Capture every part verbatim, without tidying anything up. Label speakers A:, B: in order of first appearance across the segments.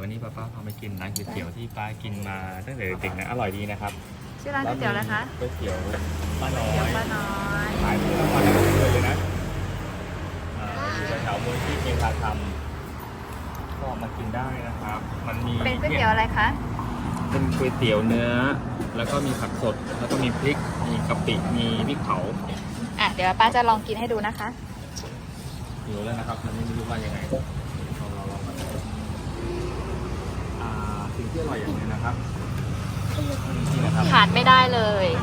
A: วันนี้ป้าป้าพาไปกินร้านก๋วยเตี๋ยวที่ป้ากินมาตั้งแต่เด็กๆนะอร่อยดีนะครับ
B: ชื่อร้านก๋วยเตี๋ยวอะไรคะ
A: ก๋วยเตี๋ยวป้าน้อ
B: เตี๋ยวย ป้าน้อย
A: ขายทุกวันทั้งคืนเลยนะอ่าอยู่แถวๆมูลที่เมธาธรรมก็มากินได้นะครับ มันมี
B: เป็นก๋วยเตี๋ยวอะไรคะ
A: เป็นก๋วยเตี๋ยวเนื้อ แล้วก็มีผักสด แล้วก็มีพริก มีกะปิ มีพริกเผา
B: อ่ะเดี๋ยวป้าจะลองกินให้ดูนะคะ
A: หิวแล้วนะครับมันไม่รู้ว่ายังไงเราเราลองมาอ่าสิ่งที่อร่อยอย่างหนึงนะครับนี่นะครับ
B: ขาดไม่ได้เลย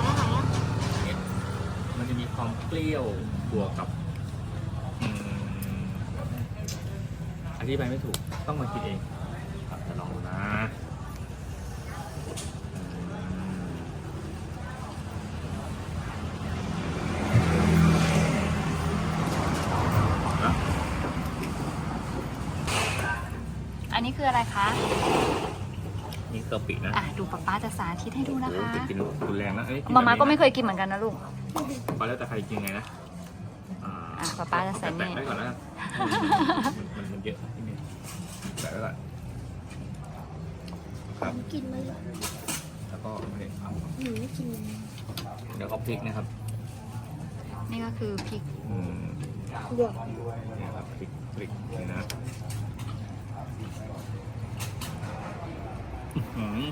A: มันจะมีความเปรี้ยวบวกกับอืมอธิบายไม่ถูกต้องมากินเองครับจะลองดูนะนะ
B: อันนี้คืออะไรคะ
A: นี่กะปินะ
B: อ่ะดูป้าป้าจะสาธิตให้ดูนะ
A: โอ้
B: คะ
A: โหกินรุนแรงนะเอ้ยน
B: มาม่าก็
A: แบบนี้นะ
B: ไม่เคยกินเหมือนกันนะลูก
A: ก็แล้วแต่ใครกินไงนะอ่า
B: อ่ะป๊าป๊าจะใส่นี่
A: แปะไว้ก่อนแล้วกันมันมันเยอะนิดนึงแปะไว้ก่อนครับ
C: กินไหมล่ะ
A: แล้วก็นี่เอา
C: หนูไม่กิน
A: เดี๋ยวก็พริกนะครับ
B: นี่ก็คือพริก
A: อืม
C: เดี๋ยว
A: นี่ครับพริกพริกนี่นะอื้อหือ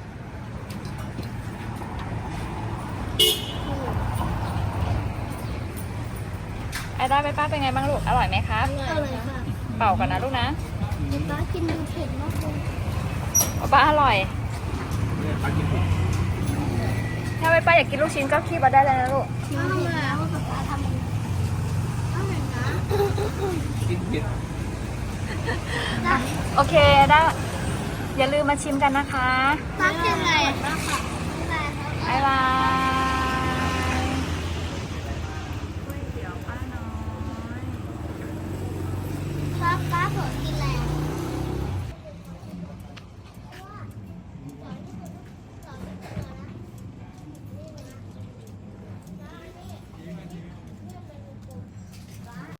B: ไอ้ด้าไปป้าเป็นไงบ้างลูก อร่อยไหมครับ
C: อร่อยค่ะ
B: เป่าก่อนนะลูกนะ
C: ป้ากินดูเผ็ดมากเลย
B: ป้าป้าอร่อย
A: เนี่ยปลากินพริก
B: ถ้าไปป้าอยากกินลูกชิ้นก็คีบมาได้เลยนะลูก
C: น้ำแล้วป้าทำอร่อยนะ
A: กินเผ็ด
B: โอเคด้าอย่าลืมมาชิมกันนะคะ
C: ป้ากินอะไรป้าค่ะอะไรครับ
B: บ๊ายบายก๋วยเตี๋ยวป้าน้อย
C: ป้าป้าสน